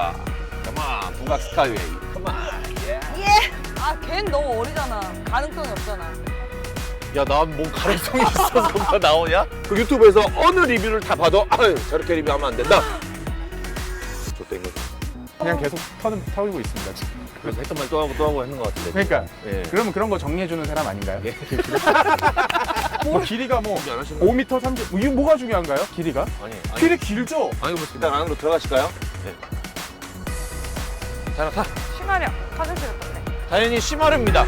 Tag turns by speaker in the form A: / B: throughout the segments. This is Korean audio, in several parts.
A: 가자. 컴온, 북악 스카이웨이. 컴온. 예.
B: 아, 걘 너무 어리잖아. 가능성이 없잖아.
A: 야, 난 뭐 가능성이 있어서 뭐 나오냐? 그 유튜브에서 어느 리뷰를 다 봐도 아유, 저렇게 리뷰하면 안 된다. 좋다 이거.
C: 그냥 계속 터지고 있습니다 지금.
A: 그래서 했던 말 또 하고 하는 것 같은데.
C: 그러니까
A: 예.
C: 그러면 그런 거 정리해주는 사람 아닌가요?
A: 예.
C: 뭐 길이가 뭐
A: 준비 안 하시는 거예요?
C: 5m 30. 이게 뭐가 중요한가요? 길이가?
A: 아니.
C: 길이 길죠?
A: 아니, 뭐 일단 안으로 들어가실까요? 네. 자, 타.
B: 심하려. 화장실 갔다 네
A: 당연히 심하릅니다.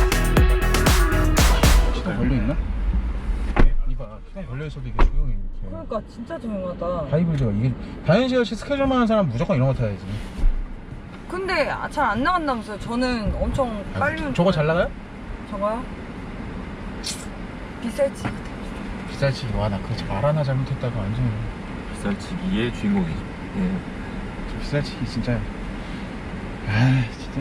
C: 시동 걸려 있나? 이봐, 시동 걸려 있어도 이게 조용히 이렇게.
B: 그러니까 진짜 조용하다.
C: 하이브리드가 이게 다현씨 역시 스케줄만 하는 사람 무조건 이런 거 타야지.
B: 근데 잘 안 나간다면서요. 저는 엄청 빨리
C: 저거 잘 나가요?
B: 저거요? 비쌀지.
C: 비쌀지. 와, 나 그거 말 하나 잘못했다가 완전
A: 비쌀치기의 주인공이죠. 예.
C: 비쌀치기 진짜. 아, 진짜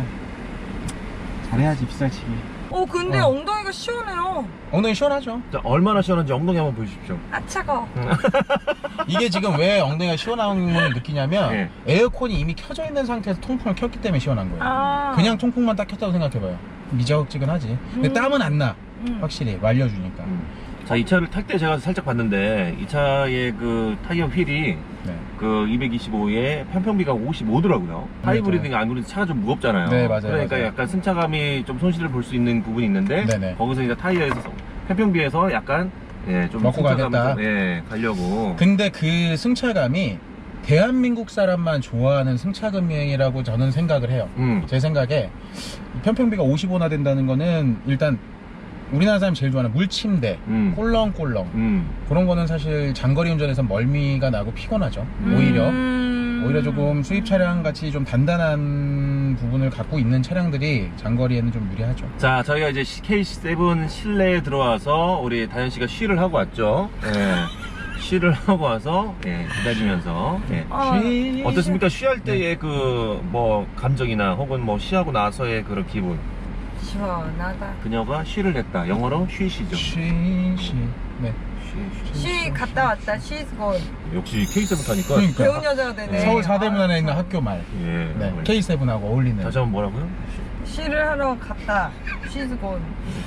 C: 잘해야지 비쌀치기.
B: 근데 엉덩이가 시원해요.
C: 엉덩이 시원하죠?
A: 자, 얼마나 시원한지 엉덩이 한번 보여주십시오.
B: 아, 차가워.
C: 이게 지금 왜 엉덩이가 시원한 걸 느끼냐면
A: 네.
C: 에어컨이 이미 켜져 있는 상태에서 통풍을 켰기 때문에 시원한 거예요.
B: 아.
C: 그냥 통풍만 딱 켰다고 생각해봐요. 미적지근하지. 근데 땀은 안 나. 확실히 말려주니까.
A: 자, 이 차를 탈 때 제가 살짝 봤는데 이 차의 그 타이어 휠이
C: 네.
A: 그 225에 편평비가 55더라고요. 하이브리드가 아무래도 차가 좀 무겁잖아요.
C: 네, 맞아요,
A: 그러니까
C: 맞아요.
A: 약간 승차감이 좀 손실을 볼 수 있는 부분이 있는데
C: 네네.
A: 거기서 이제 타이어에서 편평비에서 약간 좀
C: 먹고
A: 승차감을
C: 가겠다.
A: 좀, 가려고.
C: 근데 그 승차감이 대한민국 사람만 좋아하는 승차감이라고 저는 생각을 해요. 제 생각에 편평비가 55나 된다는 거는 일단 우리나라 사람이 제일 좋아하는 물침대, 꼴렁꼴렁 그런 거는 사실 장거리 운전에서 멀미가 나고 피곤하죠. 오히려 조금 수입 차량 같이 좀 단단한 부분을 갖고 있는 차량들이 장거리에는 좀 유리하죠.
A: 자, 저희가 이제 K7 실내에 들어와서 우리 다현 씨가 쉬를 하고 왔죠. 예. 쉬를 하고 와서 기다리면서 어떻습니까? 쉬할 때의 그 뭐 감정이나 혹은 뭐 쉬하고 나서의 그런 기분.
B: 시원하다.
A: 그녀가 쉬를 했다. 영어로 쉬시죠.
C: 쉬. 네.
B: 쉬 갔다 왔다. She's gone.
A: 역시 K7 타니까.
C: 그러니까.
B: 배운 여자가 되네.
C: 서울 사대문안에 있는 학교 말.
A: 예.
C: 네. K7하고 어울리는.
A: 다시 한번 뭐라고요?
B: 쉬를 하러 갔다. She's gone.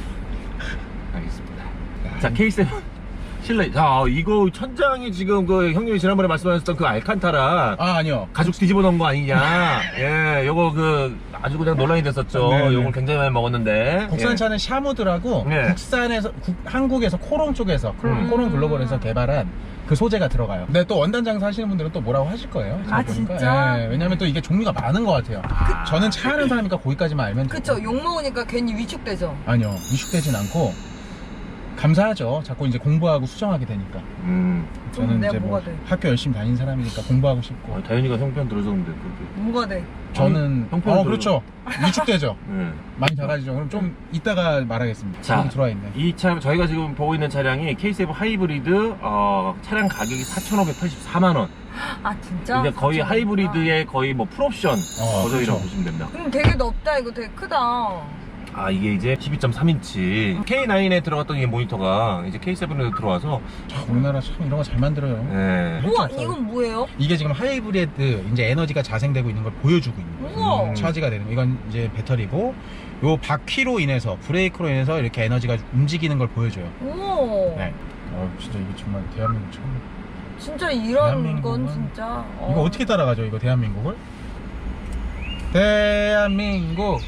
A: 알겠습니다. 자, K7 실내. 자, 이거 천장이 지금 그 형님이 지난번에 말씀하셨던 그 알칸타라
C: 아니요.
A: 가죽 뒤집어 놓은 거 아니냐. 예, 요거 그 아주 그냥 논란이 됐었죠.
C: 네네.
A: 요걸 굉장히 많이 먹었는데.
C: 국산차는 샤무드라고
A: 네.
C: 국산에서 한국에서 코롱 쪽에서 코롱 글로벌에서 개발한 그 소재가 들어가요. 근데 또 원단 장사 하시는 분들은 또 뭐라고 하실 거예요. 제가
B: 아,
C: 보니까.
B: 진짜?
C: 예, 왜냐면 또 이게 종류가 많은 것 같아요. 저는 차 하는 사람이니까 거기까지만 알면 돼요.
B: 그쵸. 욕먹으니까 괜히 위축되죠.
C: 아니요, 위축되진 않고 감사하죠. 자꾸 이제 공부하고 수정하게 되니까. 저는
B: 내가
C: 이제 뭐
B: 뭐가 돼?
C: 학교 열심히 다니는 사람이니까 공부하고 싶고.
A: 다현이가 형편 들어줬는데 그렇게.
B: 뭐가 돼?
C: 저는
A: 형편을
C: 그렇죠. 위축되죠.
A: 예.
C: 많이 작아지죠. 그럼 좀 이따가 말하겠습니다.
A: 자,
C: 여기 들어와 있네.
A: 이 차 저희가 지금 보고 있는 차량이 K7 하이브리드 차량 가격이 4,584만 원.
B: 아, 진짜?
A: 이제 거의 하이브리드의 거의 뭐 풀옵션 버전이라고
C: 그렇죠.
A: 보시면 됩니다.
B: 그럼 되게 넓다. 이거 되게 크다.
A: 아, 이게 이제 12.3인치 K9에 들어갔던 이 모니터가 이제 K7에 들어와서
C: 우리나라 참 이런 거 잘 만들어요.
A: 예.
B: 우와, 이건 뭐예요?
C: 이게 지금 하이브리드 이제 에너지가 자생되고 있는 걸 보여주고 있는 거예요.
B: 우와.
C: 차지가 되는 거. 이건 이제 배터리고 요 바퀴로 인해서 브레이크로 인해서 이렇게 에너지가 움직이는 걸 보여줘요.
B: 우와.
C: 네. 진짜 이게 정말 대한민국 처음.
B: 진짜 이런
C: 대한민국은-
B: 건 진짜.
C: 이거 어떻게 따라가죠? 이거 대한민국을? 대한민국.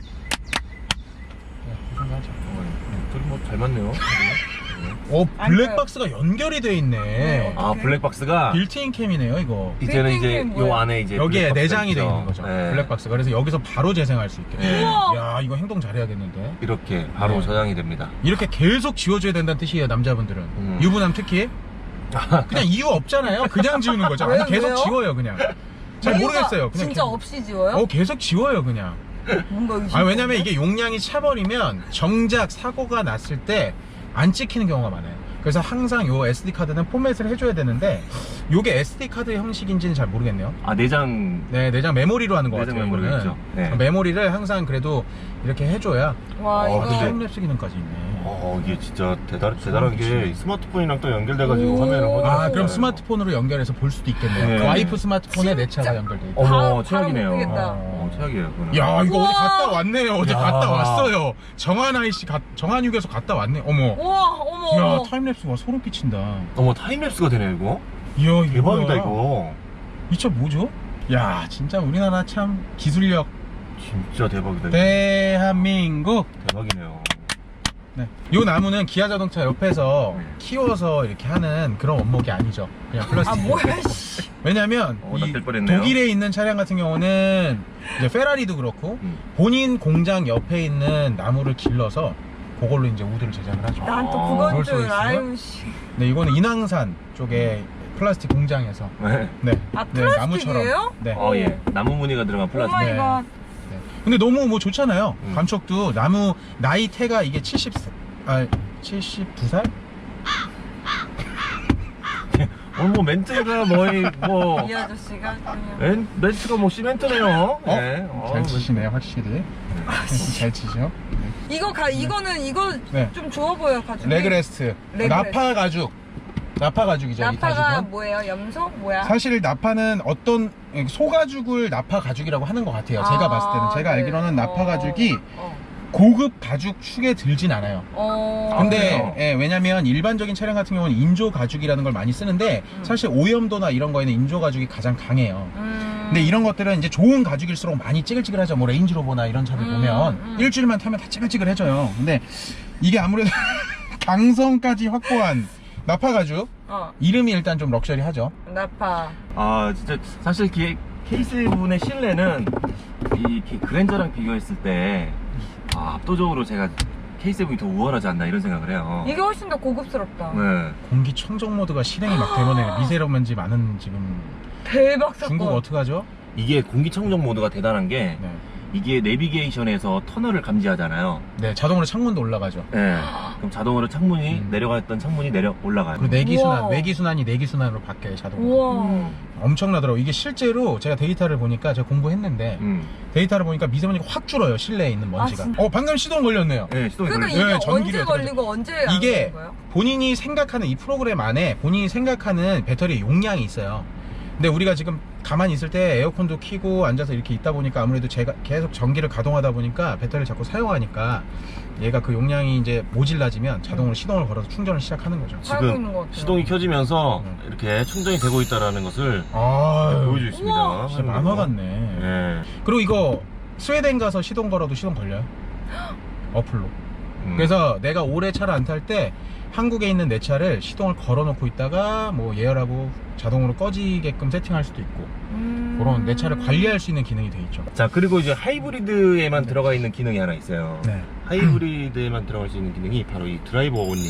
C: 하자.
A: 둘이 뭐 잘 맞네요.
C: 블랙박스가 연결이 돼 있네.
A: 아, 블랙박스가
C: 빌트인 캠이네요, 이거.
A: 이제는 이제
B: 빌딩이
A: 요
B: 뭐예요?
A: 안에 이제
C: 여기에
A: 블랙박스가
C: 내장이 돼
A: 있죠.
C: 있는 거죠.
A: 예.
C: 블랙박스가. 그래서 여기서 바로 재생할 수 있게.
A: 예.
C: 야, 이거 행동 잘해야겠는데.
A: 이렇게 바로
C: 네.
A: 저장이 됩니다.
C: 이렇게 계속 지워줘야 된다는 뜻이에요, 남자분들은. 유부남 특히. 그냥 이유 없잖아요. 그냥 지우는 거죠. 아니,
B: 왜요?
C: 계속
B: 왜요?
C: 지워요, 그냥. 잘
B: 이유가
C: 모르겠어요. 그냥
B: 진짜
C: 계속.
B: 없이 지워요?
C: 계속 지워요, 그냥.
B: 뭔가 의심.
C: 왜냐면 이게 용량이 차버리면 정작 사고가 났을 때 안 찍히는 경우가 많아요. 그래서 항상 요 SD카드는 포맷을 해줘야 되는데 요게 SD카드 형식인지는 잘 모르겠네요.
A: 아, 내장.
C: 네, 내장 메모리로 하는 것
A: 내장
C: 같아요.
A: 메모리
C: 이거는.
A: 있죠. 네.
C: 메모리를 항상 그래도 이렇게 해줘야
B: 와, 이거.
C: 타임랩스 기능까지 있네.
A: 이게 진짜 대단한 게
C: 그치.
A: 스마트폰이랑 또 연결돼가지고
B: 오.
A: 화면을 확인할
C: 아
A: 수가
C: 그럼
A: 있어요.
C: 스마트폰으로 연결해서 볼 수도 있겠네요.
A: 네.
C: 와이프 스마트폰에 내 차가 연결돼 있다.
A: 어머,
B: 바로
A: 최악이네요.
B: 못 보겠다.
A: 최악이에요. 그거는.
C: 야 이거
B: 우와.
C: 어디 갔다 왔네요. 어디
A: 야.
C: 갔다 왔어요. 정한아이씨 정한육에서 갔다 왔네. 어머.
B: 우와, 어머.
C: 야
B: 어머.
C: 타임랩스 와 소름 끼친다.
A: 어머, 타임랩스가 되네, 이거.
C: 이야 이거
A: 대박이다,
C: 뭐야.
A: 이거.
C: 이 차 뭐죠? 야 진짜 우리나라 참 기술력
A: 진짜 대박이다. 이거.
C: 대한민국.
A: 대박이네요.
C: 네. 요 나무는 기아 자동차 옆에서
A: 네.
C: 키워서 이렇게 하는 그런 원목이 아니죠. 그냥 플라스틱.
B: 아, 뭐야, 씨.
C: 왜냐면 이
A: 낚일 뻔했네요.
C: 독일에 있는 차량 같은 경우는 이제 페라리도 그렇고 본인 공장 옆에 있는 나무를 길러서 그걸로 이제 우드를 제작을 하죠.
B: 난 또
A: 아,
B: 그건
C: 그럴 수가
B: 줄,
C: 있어요?
B: 아유, 씨.
C: 네, 이거는 인왕산 쪽에 플라스틱 공장에서
A: 네.
C: 네,
B: 아,
C: 네
B: 플라스틱이에요?
C: 네.
A: 예. 나무 무늬가 들어간
B: 오
A: 플라스틱.
B: 마이
C: 네.
B: 갓.
C: 네. 근데 너무 뭐 좋잖아요. 감촉도 나무 나이테가 이게 72살?
A: 뭐 멘트가 뭐
B: 이 아저씨가 그냥.
A: 멘트가 뭐 시멘트네요. 네.
C: 잘 치시네요, 확실히. 잘 치죠.
B: 이거는 이거
C: 네.
B: 좀 좋아 보여, 가죽이.
C: 레그레스트.
B: 레그레스트.
C: 나파 가죽. 나파 가죽이죠. 이
B: 나파가
C: 가죽은.
B: 뭐예요? 염소? 뭐야?
C: 사실 나파는 어떤 소가죽을 나파 가죽이라고 하는 것 같아요. 제가 봤을 때는 제가
B: 네.
C: 알기로는 나파 가죽이
B: 어.
C: 고급 가죽 축에 들진 않아요. 근데
A: 그래요?
C: 예, 왜냐면 일반적인 차량 같은 경우는 인조 가죽이라는 걸 많이 쓰는데 사실 오염도나 이런 거에는 인조 가죽이 가장 강해요. 근데 이런 것들은 이제 좋은 가죽일수록 많이 찌글찌글하죠. 뭐 레인지로버나 이런 차들 보면 일주일만 타면 다 찌글찌글해져요. 근데 이게 아무래도 강성까지 확보한 나파 가죽 이름이 일단 좀 럭셔리하죠.
B: 나파.
A: 진짜 사실 K7의 실내는 이 그랜저랑 비교했을 때 압도적으로 제가 K7이 더 우월하지 않나 이런 생각을 해요.
B: 이게 훨씬 더 고급스럽다.
A: 네.
C: 공기청정 모드가 실행이 막 되면 미세먼지 많은 지금
B: 대박 사건.
C: 중국 어떡하죠?
A: 이게 공기청정 모드가 대단한 게
C: 네.
A: 이게 내비게이션에서 터널을 감지하잖아요.
C: 네, 자동으로 창문도 올라가죠.
A: 네. 그럼 자동으로 창문이 내려갔던 창문이 올라가요.
C: 그리고 내기순환,
B: 우와.
C: 외기순환이 내기순환으로 바뀌어요, 자동으로.
B: 우와.
C: 엄청나더라고요. 이게 실제로 제가 데이터를 보니까 제가 공부했는데 데이터를 보니까 미세먼지가 확 줄어요, 실내에 있는 먼지가.
B: 진짜?
C: 방금 시동 걸렸네요.
A: 네, 시동이
B: 그러니까
A: 걸려요.
B: 이게
C: 네, 전기를
B: 언제 걸리고 언제 안
C: 이게
B: 걸린 거예요?
C: 본인이 생각하는 이 프로그램 안에 본인이 생각하는 배터리 용량이 있어요. 근데 우리가 지금 가만히 있을 때 에어컨도 켜고 앉아서 이렇게 있다 보니까 아무래도 제가 계속 전기를 가동하다 보니까 배터리를 자꾸 사용하니까 얘가 그 용량이 이제 모질라지면 자동으로 시동을 걸어서 충전을 시작하는 거죠.
B: 살고 있는 것
A: 지금
B: 같아요.
A: 시동이 켜지면서 이렇게 충전이 되고 있다는 것을
C: 아유,
A: 보여주고 있습니다.
B: 우와.
C: 진짜 만화 같네.
A: 네.
C: 그리고 이거 스웨덴 가서 시동 걸어도 시동 걸려요. 어플로. 그래서 내가 오래 차를 안 탈 때 한국에 있는 내 차를 시동을 걸어 놓고 있다가 뭐 예열하고 자동으로 꺼지게끔 세팅할 수도 있고 그런 내 차를 관리할 수 있는 기능이 돼 있죠.
A: 자, 그리고 이제 하이브리드에만 들어가 있는 기능이 하나 있어요.
C: 네.
A: 하이브리드에만 들어갈 수 있는 기능이 바로 이 드라이버 온리.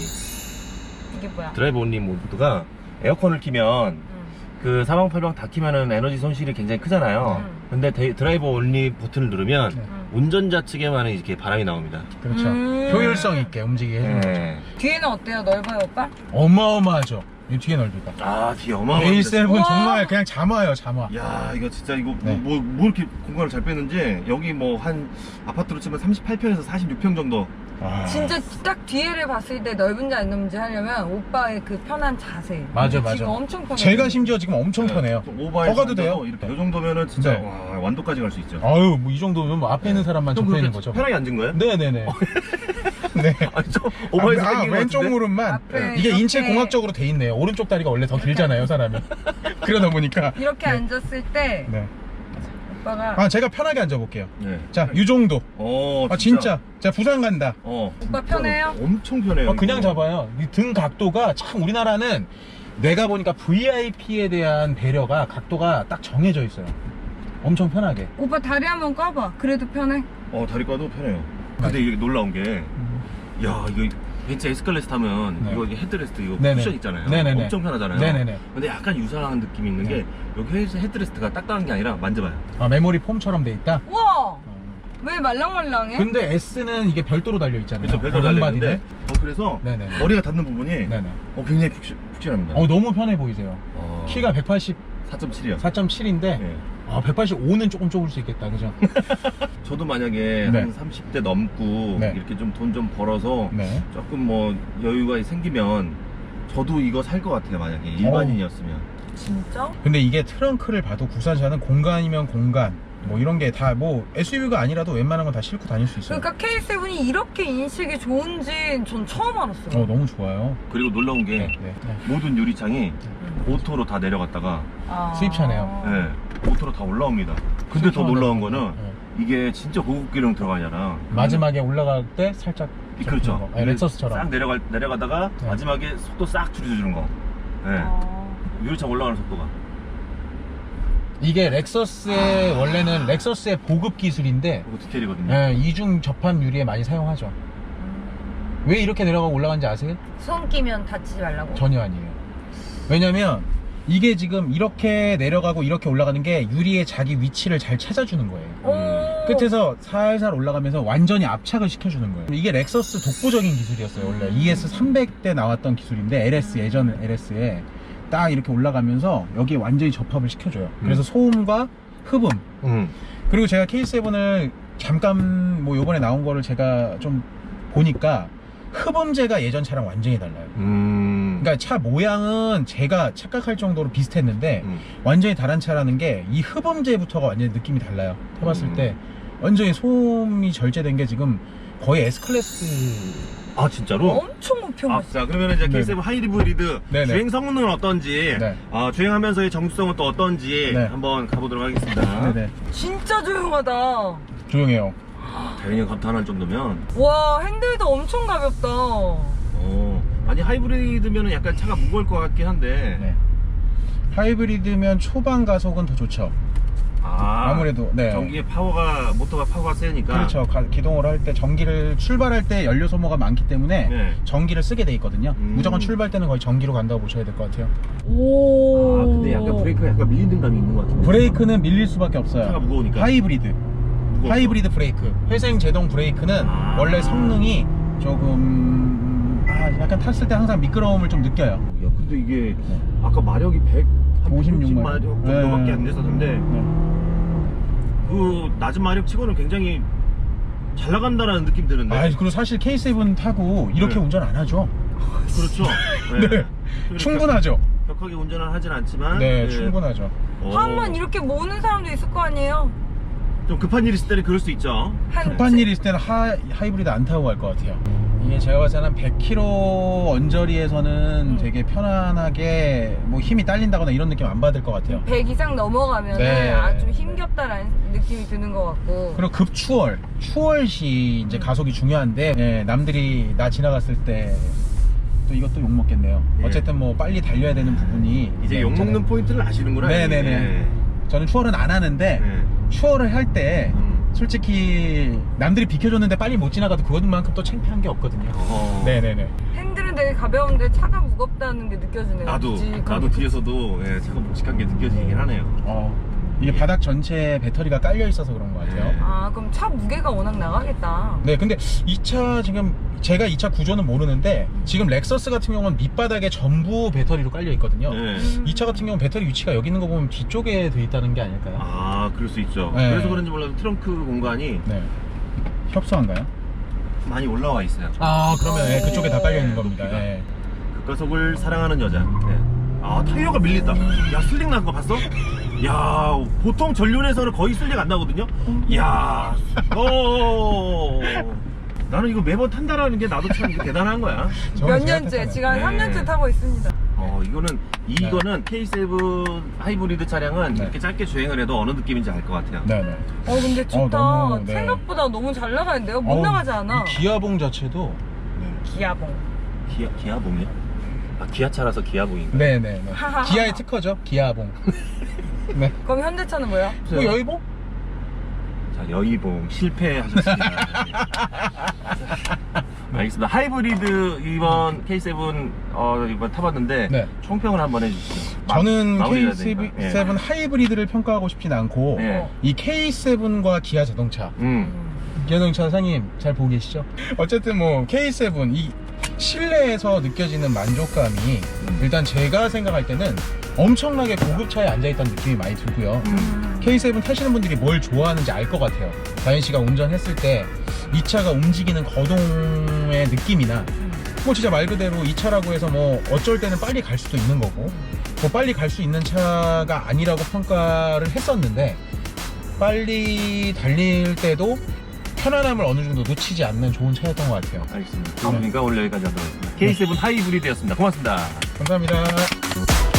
B: 이게 뭐야?
A: 드라이버 온리 모드가 에어컨을 키면 그 사방팔방 다 키면은 에너지 손실이 굉장히 크잖아요. 근데 드라이버 온리 버튼을 누르면 운전자 측에만은 이렇게 바람이 나옵니다.
C: 그렇죠. 효율성 있게 움직이게 해주는 거죠.
B: 뒤에는 어때요? 넓어요, 오빠?
C: 어마어마하죠. 이 뒤에 넓이가.
A: 뒤에 어마어마합니다.
C: A7은
B: 우와.
C: 정말 그냥 잠아요, 잠아.
A: 야, 이거 진짜 이거
C: 네.
A: 뭐 이렇게 공간을 잘 빼는지 여기 뭐 한 아파트로 치면 38평에서 46평 정도.
B: 진짜 딱 뒤에를 봤을 때 넓은지 안 넓은지 하려면 오빠의 그 편한 자세.
C: 맞아,
B: 지금
C: 맞아.
B: 엄청 편해.
C: 제가 심지어 지금 엄청 편해요.
A: 좀 오버해서
C: 더 가도 돼요.
A: 앉아도 이렇게 이 정도면은 진짜
C: 네.
A: 와, 완도까지 갈 수 있죠.
C: 아유, 뭐 이 정도면 뭐 앞에 있는 사람만
A: 좀
C: 접해 있는
A: 그렇게
C: 거죠.
A: 편하게 앉은 거예요?
C: 네네네. 네.
A: 아니, 좀 오버해서 생긴 것
C: 왼쪽
A: 같은데?
C: 무릎만
B: 앞에
C: 이게
B: 이렇게.
C: 인체 공학적으로 돼 있네요. 오른쪽 다리가 원래 더 길잖아요, 사람이. 그러다 보니까.
B: 이렇게
C: 네.
B: 앉았을 때
C: 네.
B: 오빠가
C: 제가 편하게 앉아볼게요.
A: 네.
C: 자, 이 정도. 진짜. 자, 부산 간다.
B: 오빠 편해요?
A: 엄청 편해요.
C: 그냥
A: 이거.
C: 잡아요. 이 등 각도가 참 우리나라는 내가 보니까 VIP에 대한 배려가 각도가 딱 정해져 있어요. 엄청 편하게.
B: 오빠 다리 한번 까봐. 그래도 편해?
A: 다리 까도 편해요. 근데 이게 놀라운 게, 야, 이거 벤츠 에스컬레이터 타면
C: 네.
A: 이거 헤드레스트 이거
C: 네네.
A: 쿠션 있잖아요.
C: 네네네.
A: 엄청 편하잖아요.
C: 네네네.
A: 근데 약간 유사한 느낌이 있는 게 여기 헤드레스트가 딱딱한 게 아니라 만져봐요.
C: 메모리 폼처럼 돼 있다.
B: 우와! 왜 말랑말랑해?
C: 근데 S는 이게 별도로 달려 있잖아요.
A: 그래서 별도로 달려있는데
C: 롱바디는.
A: 그래서
C: 네네.
A: 머리가 닿는 부분이
C: 네네.
A: 굉장히 푹신합니다.
C: 너무 편해 보이세요. 키가 184.7인데
A: 4.7이요. 네.
C: 아, 185는 조금 좁을 수 있겠다, 그죠?
A: 저도 만약에
C: 네.
A: 한 30대 넘고
C: 네.
A: 이렇게 좀 돈 좀 벌어서
C: 네.
A: 조금 뭐 여유가 생기면 저도 이거 살 것 같아요. 만약에 일반인이었으면.
B: 진짜?
C: 근데 이게 트렁크를 봐도 국산차는 공간이면 공간, 뭐 이런 게 다 뭐 SUV가 아니라도 웬만한 건 다 싣고 다닐 수 있어요.
B: 그러니까 K7이 이렇게 인식이 좋은지 전 처음 알았어요.
C: 너무 좋아요.
A: 그리고 놀라운 게
C: 네.
A: 모든 유리창이 오토로 다 내려갔다가
B: 아.
C: 수입차네요.
A: 네, 오토로 다 올라옵니다. 근데 더 놀라운 거는
C: 네.
A: 이게 진짜 고급 기능 들어가잖아.
C: 마지막에 올라갈 때 살짝
A: 그렇죠.
C: 거. 아니, 렉서스처럼.
A: 싹 내려가다가
C: 네.
A: 마지막에 속도 싹 줄여주는 거. 네.
B: 아.
A: 유리창 올라가는 속도가.
C: 이게 렉서스의 원래는 렉서스의 보급 기술인데
A: 그거 디테일이거든요.
C: 예, 이중 접합 유리에 많이 사용하죠. 왜 이렇게 내려가고 올라가는지 아세요?
B: 손 끼면 다치지 말라고?
C: 전혀 아니에요. 왜냐면 이게 지금 이렇게 내려가고 이렇게 올라가는 게 유리의 자기 위치를 잘 찾아주는 거예요.
B: 오.
C: 끝에서 살살 올라가면서 완전히 압착을 시켜주는 거예요. 이게 렉서스 독보적인 기술이었어요. 원래 ES300 때 나왔던 기술인데 LS 예전 LS에 딱 이렇게 올라가면서 여기에 완전히 접합을 시켜줘요. 그래서 소음과 흡음, 그리고 제가 K7을 잠깐 뭐 요번에 나온 거를 제가 좀 보니까 흡음재가 예전 차랑 완전히 달라요. 그러니까 차 모양은 제가 착각할 정도로 비슷했는데 완전히 다른 차라는 게 이 흡음재부터가 완전히 느낌이 달라요. 해봤을 때 완전히 소음이 절제된 게 지금 거의 S클래스.
A: 아 진짜로?
B: 엄청 높여.
A: 자 그러면 이제
C: 네.
A: K7 하이브리드
C: 네네.
A: 주행 성능은 어떤지,
C: 네.
A: 주행하면서의 정수성은 또 어떤지
C: 네.
A: 한번 가보도록 하겠습니다.
C: 네네.
B: 진짜 조용하다.
C: 조용해요.
A: 다행히 감탄할 정도면.
B: 와, 핸들도 엄청 가볍다.
A: 아니 하이브리드면은 약간 차가 무거울 것 같긴 한데.
C: 네. 하이브리드면 초반 가속은 더 좋죠. 아무래도, 네.
A: 전기의 모터가 파워가 세니까.
C: 그렇죠. 기동을 할 때 전기를 출발할 때 연료 소모가 많기 때문에
A: 네.
C: 전기를 쓰게 돼 있거든요. 무조건 출발 때는 거의 전기로 간다고 보셔야 될 것 같아요.
B: 오.
A: 근데 약간 브레이크가 약간 밀리는 감이 있는 것 같은데.
C: 브레이크는 밀릴 수밖에 없어요.
A: 차가 무거우니까.
C: 하이브리드.
A: 무거워서.
C: 하이브리드 브레이크. 회생 제동 브레이크는 원래 성능이 조금 약간 탔을 때 항상 미끄러움을 좀 느껴요.
A: 야, 근데 이게 아까 마력이 156 마력 정도밖에
C: 네.
A: 안 됐었는데 그 낮은 마력 치고는 굉장히 잘 나간다라는 느낌 드는데.
C: 그리고 사실 K7 타고 이렇게
A: 네.
C: 운전 안 하죠.
A: 그렇죠.
C: 네. 충분하죠.
A: 격하게 운전을 하진 않지만.
C: 네, 충분하죠.
B: 한번 이렇게 모으는 사람도 있을 거 아니에요?
A: 좀 급한 일 있을 때는 그럴 수 있죠.
C: 급한 일 있을 때는 하이브리드 안 타고 갈 것 같아요. 이게 제가 봤을 때는 100km 언저리에서는 되게 편안하게 뭐 힘이 딸린다거나 이런 느낌 안 받을 것 같아요.
B: 100 이상 넘어가면
C: 네.
B: 아주 힘겹다라는 느낌이 드는 것 같고.
C: 그리고 추월 시 이제 가속이 중요한데, 남들이 나 지나갔을 때 또 이것도 욕 먹겠네요.
A: 예.
C: 어쨌든 뭐 빨리 달려야 되는 부분이
A: 이제 욕
C: 있잖아요.
A: 먹는 포인트를 아시는구나.
C: 네네네.
A: 예.
C: 저는 추월은 안 하는데 추월을 할 때 솔직히 남들이 비켜줬는데 빨리 못 지나가도 그것만큼 또 창피한 게 없거든요. 네네네.
B: 핸들은 되게 가벼운데 차가 무겁다는 게 느껴지네요.
A: 나도 뒤에서도 차가 묵직한 게 느껴지긴 하네요.
C: 이게 바닥 전체에 배터리가 깔려 있어서 그런 것 같아요.
A: 네.
B: 그럼 차 무게가 워낙 나가겠다.
C: 네, 근데 이 차 지금 제가 이 차 구조는 모르는데 지금 렉서스 같은 경우는 밑바닥에 전부 배터리로 깔려 있거든요.
A: 네.
C: 이 차 같은 경우는 배터리 위치가 여기 있는 거 보면 뒤쪽에 돼 있다는 게 아닐까요?
A: 그럴 수 있죠.
C: 네.
A: 그래서 그런지 몰라도 트렁크 공간이
C: 네. 협소한가요?
A: 많이 올라와 있어요.
C: 그러면 그쪽에 다 깔려 있는 겁니다.
A: 높이가.
C: 네.
A: 급가속을 사랑하는 여자. 타이어가 밀린다. 야, 슬릭 난 거 봤어? 야, 보통 전륜에서는 거의 슬릭 안 나거든요? 야, 나는 이거 매번 탄다라는 게 나도 참 대단한 거야.
B: 몇 년째? 지금 한 3년째 타고 있습니다.
A: 이거는 K7 하이브리드 차량은 이렇게 짧게 주행을 해도 어느 느낌인지 알 것 같아요.
C: 네네.
B: 근데 좋다.
C: 너무, 네.
B: 생각보다 너무 잘 나가는데요? 못 나가지 않아.
C: 이 기아봉 자체도
B: 기아봉.
A: 기아봉이요? 기아차라서 기아봉인가요?
C: 네네. 기아의 특허죠. 기아봉. 네.
B: 그럼 현대차는 뭐야?
C: 뭐 여의봉?
A: 자, 여의봉 실패하셨습니다. 알겠습니다. 하이브리드 이번 K7 이번 타봤는데
C: 네.
A: 총평을 한번 해주시죠.
C: 저는
A: 마무리해야
C: K7
A: 되니까.
C: 하이브리드를 평가하고 싶진 않고
A: 네.
C: 이 K7과 기아 자동차 기아 자동차 사장님 잘 보고 계시죠? 어쨌든 뭐 K7 이 실내에서 느껴지는 만족감이 일단 제가 생각할 때는 엄청나게 고급차에 앉아있다는 느낌이 많이 들고요. K7 타시는 분들이 뭘 좋아하는지 알 것 같아요. 다현 씨가 운전했을 때 이 차가 움직이는 거동의 느낌이나 뭐 진짜 말 그대로 이 차라고 해서 뭐 어쩔 때는 빨리 갈 수도 있는 거고 뭐 빨리 갈 수 있는 차가 아니라고 평가를 했었는데 빨리 달릴 때도 편안함을 어느 정도 놓치지 않는 좋은 차였던 것 같아요.
A: 알겠습니다. 그러니까 오늘 여기까지 하도록 하겠습니다. K7 하이브리드였습니다. 고맙습니다.
C: 감사합니다.